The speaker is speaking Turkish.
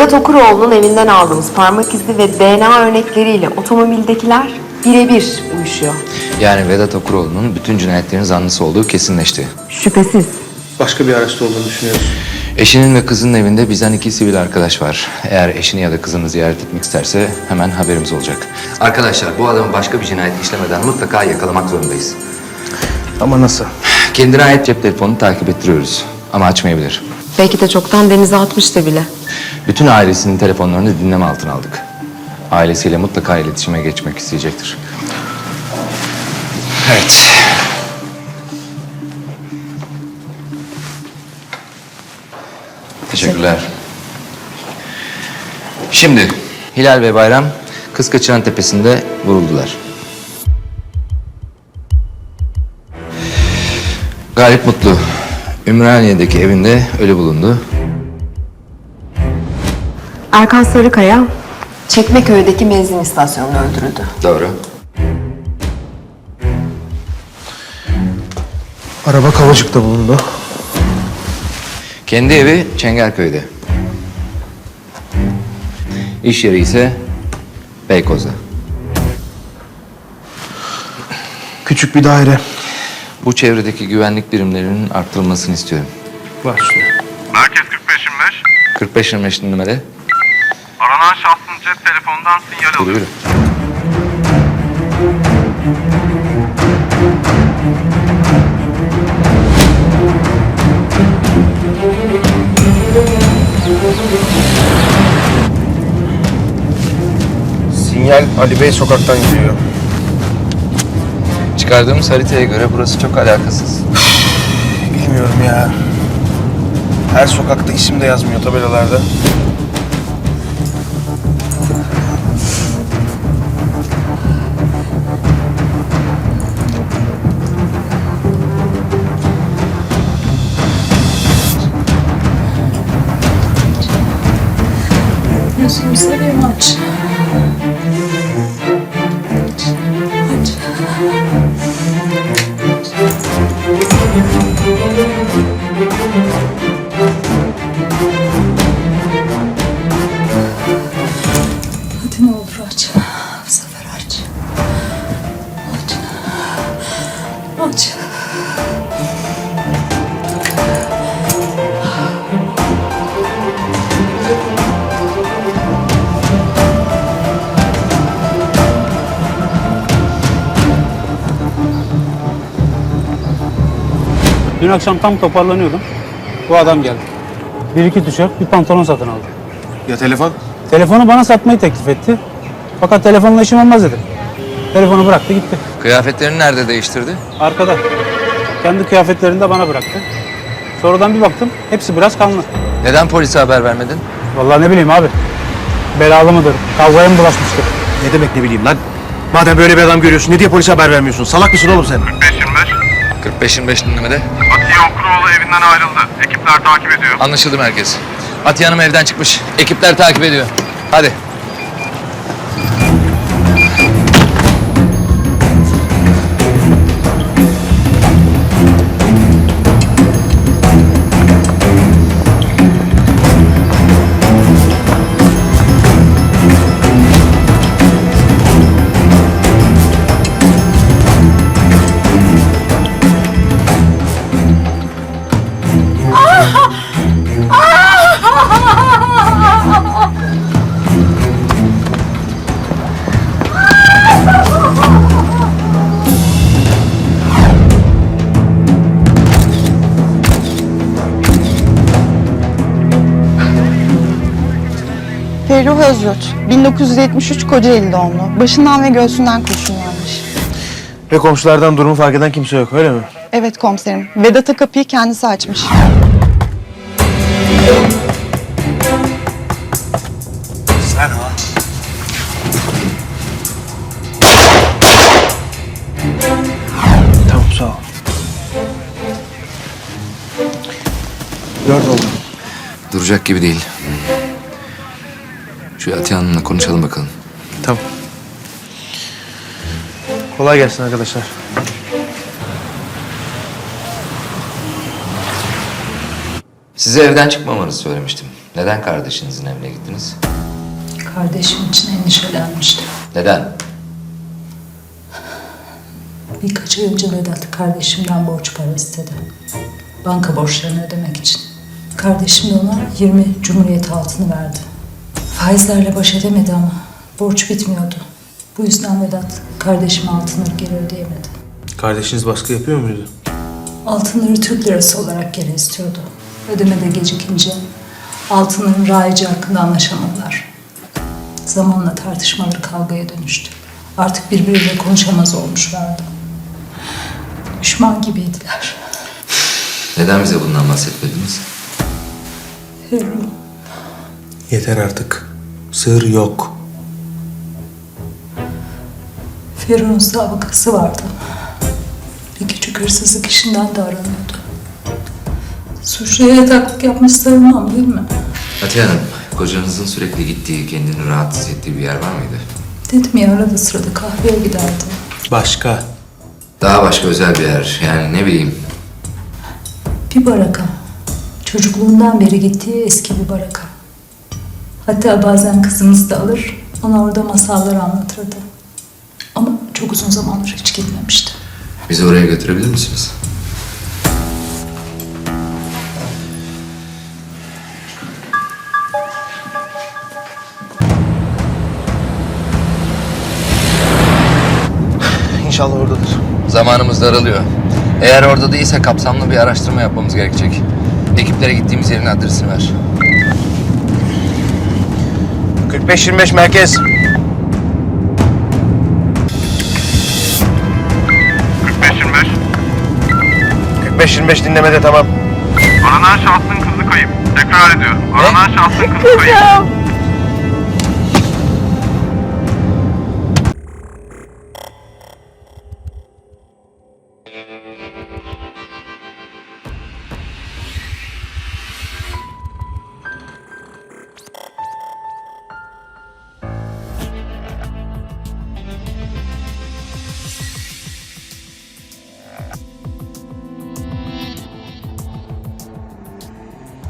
Vedat Okuroğlu'nun evinden aldığımız parmak izi ve DNA örnekleriyle otomobildekiler birebir uyuşuyor. Yani Vedat Okuroğlu'nun bütün cinayetlerin zanlısı olduğu kesinleşti. Şüphesiz. Başka bir araçta olduğunu düşünüyoruz. Eşinin ve kızının evinde bizden 2 sivil arkadaş var. Eğer eşini ya da kızını ziyaret etmek isterse hemen haberimiz olacak. Arkadaşlar bu adamı başka bir cinayet işlemeden mutlaka yakalamak zorundayız. Ama nasıl? Kendine ait cep telefonunu takip ettiriyoruz. Ama açmayabilir. Belki de çoktan denize atmıştı bile. Bütün ailesinin telefonlarını dinleme altına aldık. Ailesiyle mutlaka iletişime geçmek isteyecektir. Evet. Teşekkürler. Şimdi Hilal ve Bayram Kızkaçıran Tepesi'nde vuruldular. Galip Mutlu Ümraniye'deki evinde ölü bulundu. Erkan Sarıkaya Çekmeköy'deki benzin istasyonunda öldürüldü. Doğru. Araba Kavacık'ta bulundu. Kendi evi Çengelköy'de. İş yeri ise Beykoz'da. Küçük bir daire. Bu çevredeki güvenlik birimlerinin arttırılmasını istiyorum. Var üstüne. Merkez 45-25. 45-25 numara. Aranan şahsın cep telefonundan sinyal Yürü alıyor. yürü. Sinyal Ali Bey sokaktan geliyor. Çıkardığımız haritaya göre burası çok alakasız. Bilmiyorum ya. Her sokakta isim de yazmıyor tabelalarda. Gözümü seveyim aç. Aç. Hadi ne olur aç. Bu sefer aç. Aç. Aç. Dün akşam tam toparlanıyordum. Bu adam geldi. Bir iki tişört, bir pantolon satın aldı. Ya telefon? Telefonu bana satmayı teklif etti. Fakat telefonla işim olmaz dedim. Telefonu bıraktı gitti. Kıyafetlerini nerede değiştirdi? Arkada. Kendi kıyafetlerini de bana bıraktı. Sonradan bir baktım, hepsi biraz kanlı. Neden polise haber vermedin? Vallahi ne bileyim abi. Belalı mıdır, kavgaya mı bulaşmıştır? Ne demek ne bileyim lan? Madem böyle bir adam görüyorsun ne diye polise haber vermiyorsun? Salak mısın oğlum sen? 45-25. 45-25 numara. Atiye Okuroğlu evinden ayrıldı. Ekipler takip ediyor. Anlaşıldı merkez. Atiye Hanım evden çıkmış. Ekipler takip ediyor. Hadi. Ferruh Özyurt, 1973 Kocaeli doğumlu. Başından ve göğsünden kurşun yanmış. Ve komşulardan durumu fark eden kimse yok öyle mi? Evet komiserim, Vedat'a kapıyı kendisi açmış. Sen ha? Tamam sağ ol. 4 oldu. Duracak gibi değil. Şu Atiye Hanım'la konuşalım bakalım. Tamam. Kolay gelsin arkadaşlar. Size evden çıkmamanızı söylemiştim. Neden kardeşinizin evine gittiniz? Kardeşim için endişelenmiştim. Neden? Birkaç ay önce Vedat kardeşimden borç para istedi. Banka borçlarını ödemek için. Kardeşim de ona 20 Cumhuriyet altını verdi. Faizlerle baş edemedi ama borç bitmiyordu. Bu yüzden Vedat kardeşime altınları geri ödeyemedi. Kardeşiniz baskı yapıyor muydu? Altınları Türk lirası olarak geri istiyordu. Ödemede gecikince altınların raici hakkında anlaşamadılar. Zamanla tartışmaları kavgaya dönüştü. Artık birbiriyle konuşamaz olmuşlardı. Düşman gibiydiler. Neden bize bundan bahsetmediniz? Ferruh, Yeter artık. Sır yok. Ferruh'un sabıkası vardı. Bir küçük hırsızlık işinden de aranıyordu. Suçluya yataklık yapmış sayılmam değil mi? Atiye Hanım, kocanızın sürekli gittiği, kendini rahatsız ettiği bir yer var mıydı? Dedim ya, arada sırada kahveye giderdi. Başka. Daha başka özel bir yer, yani ne bileyim. Bir baraka. Çocukluğundan beri gittiği eski bir baraka. Hatta bazen kızımızı da alır, ona orada masallar anlatırdı. Ama çok uzun zamandır hiç gitmemişti. Bizi oraya götürebilir misiniz? İnşallah oradadır. Zamanımız daralıyor. Eğer orada değilse kapsamlı bir araştırma yapmamız gerekecek. Ekiplere gittiğimiz yerin adresini ver. 45-25 merkez. 45-25. 45-25 dinlemede tamam. Aranan şahsın kızı kayıp. Tekrar ediyorum. Aranan şahsın kızı kayıp.